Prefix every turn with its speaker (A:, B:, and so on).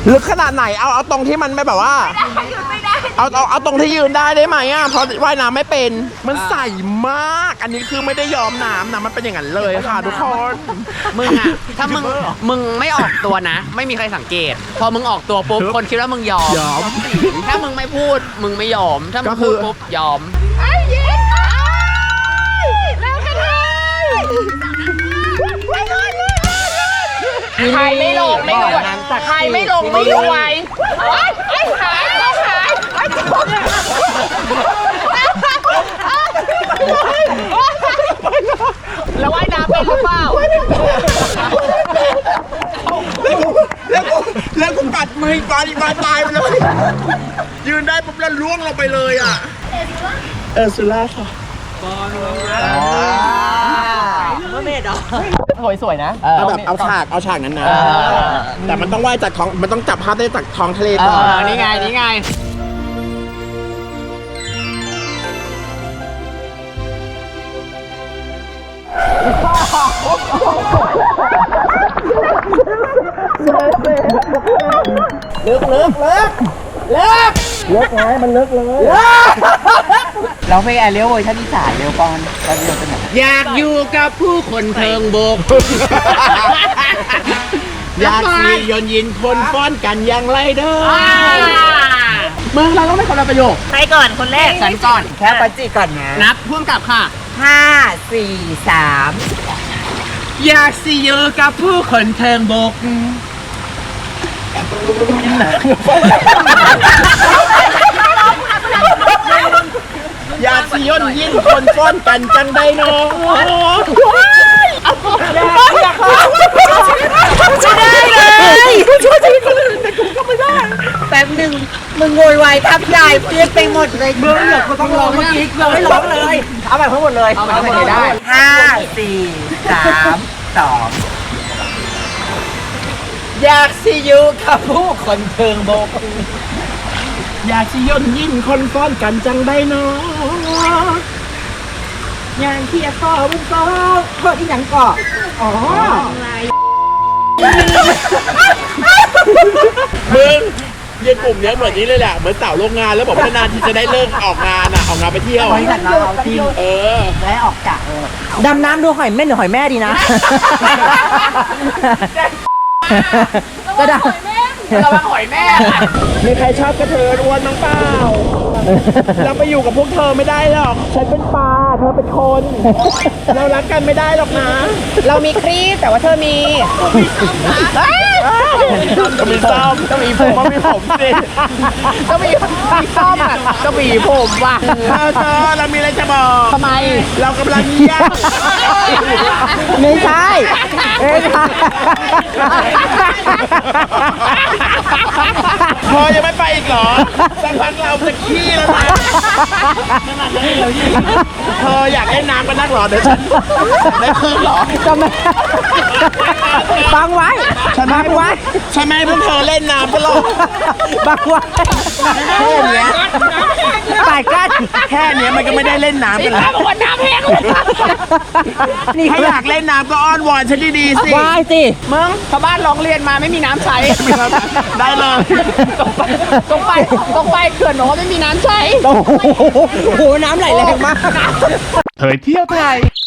A: ลึกขนาดไหนเอาตรงที่มันไม่แบบว่าเอาตรงที่ยืนได้ไหมอ่ะเพราะว่ายน้ำไม่เป็นมันใสมากอันนี้คือไม่ได้ยอมน้ำนะมันเป็นอย่างนั้นเลยค่ะทุกคน
B: มึงอะถ้ามึงไม่ออกตัวนะ ไม่มีใครสังเกต พอมึงออกตัวปุ๊บคนคิดว่ามึงยอมถ้ามึงไม่พูดมึงไม่ยอมถ้ามึงพูดปุ๊บยอม
C: ใครไม่ลงไม่ดูใครไม่ลงไม่ดูไว้ไอ้หายต้องหายแล้วว่ายน้ำเป็นหรือเปล่า
A: แล้วกูกัดมือปลาตายไปเลยยืนได้ปุ๊บแล้วล่วงลงไปเลยอ่ะเออสุล่าค่ะ
C: เมื่อเมดเหรอสวยนะ
A: เอาแบบเอาฉากนั้นนะแต่มันต้องว่ายจากท้องมันต้องจับภาพได้จากท้องทะเลก่อน
B: นี่ไง
A: เลิกไงมันเลิกเลย
B: เราไปแอร์เรียลเวอร์ชันอีสานเร็วก่อนเราจะเป็นอยากอยู่กับผู้คนเทิงบก
A: อยากมียนยินคนฟ้อนกันอย่างไรเด้อเมืองเราต้องไม่คนละประโยค
C: ใครก่อนคนแรก
B: ฉันก่อน
C: แค่ปัจจิก่อนนะ
B: นับพ่วงกับค่ะ
C: 5 4 3
B: อยากสิอยู่กับผู้คนเทิงบก
A: อยากสิยนยินคนฟ้อนกันจังใดเนาะ
C: ไม่ได้เลยช่วยชีวิตคนอื่นแต่กูก็ไม่ได้แป๊บนึงมึงโวยวายทับยายเปลี่ยนไปหมดเลยมึงเหรอกูต้องร้องเมื่อกี้เราไม่ร้องเลยเอาแบบทั้งหมดเลย
B: เอาแบบทั้งหมดเลยได้
C: 5 4 3 2
B: อยากสิอยู่กับผู้คนเทิงบก
A: อยากสิยนยินคนฟ้อนกันจังใดเนาะ
C: งานที่ฟ้อมึงฟ้อเพิ่มอีกอย่างก่ออ๋อ
A: มึงยังกลุ่มนี้เหมือนนี้เลยแหละเหมือนสาวโรงงานแล้วบอกว่านานที่จะได้เลิกออกงานออกงานไปเที่ยว
C: บริษัทเราทีมและออกจากดำน้ำดูหอยเม่นหรือหอยแม่ดีนะ
B: ก็ได้ระวังหอยแม่
A: มีใครชอบกระเทยอ้วนน้องเปล่าเราไปอยู่กับพวกเธอไม่ได้หรอกฉันเป็นปลาเธอเป็นคนเรารักกันไม่ได้หรอกนะ
C: เรามีครีบแต่ว่าเธอมี
A: ก็มีซ้อมก็มีผมก็มีผมสิ
B: ก็มีซ้อมอ่ะก็มีผมว่ะ
A: เธอเรามีอะไรจะบอก
B: ทำไม
A: เรากำลังเยี่ยม
C: ไม่ใช่
A: พอยังไม่ไปอีกเหรอสักพักเราจะขี้แล้วนะเธออยากเล่นน้ำกันนักเหรอเดี๋ยวฉันได้เพิ่มเหรอ
C: จะไม่บังไว้
A: บังไว้ฉันไม่ให้พวกเธอเล่นน้ำกันหรอก
C: บังไว้
A: แค่เนี้ย
C: ตายกัน
A: แค่เนี้ยมันก็ไม่ได้เล่นน้ำกันแล้ว
C: น้ำแห้ง
A: นี่ถ้าอยากเล่นน้ำก็อ้อนวอนฉันดีๆสิ
C: ว้ายสิ
B: มึงชาวบ้านร้องเรียนมาไม่มีน้ำใช้
A: ได้เลย
B: ตรงไปเขื่อนหนูไม่มีน้ำใช้
C: โอ้โหน้ำไหลแรงมาก
A: เผยเที่ยวไทย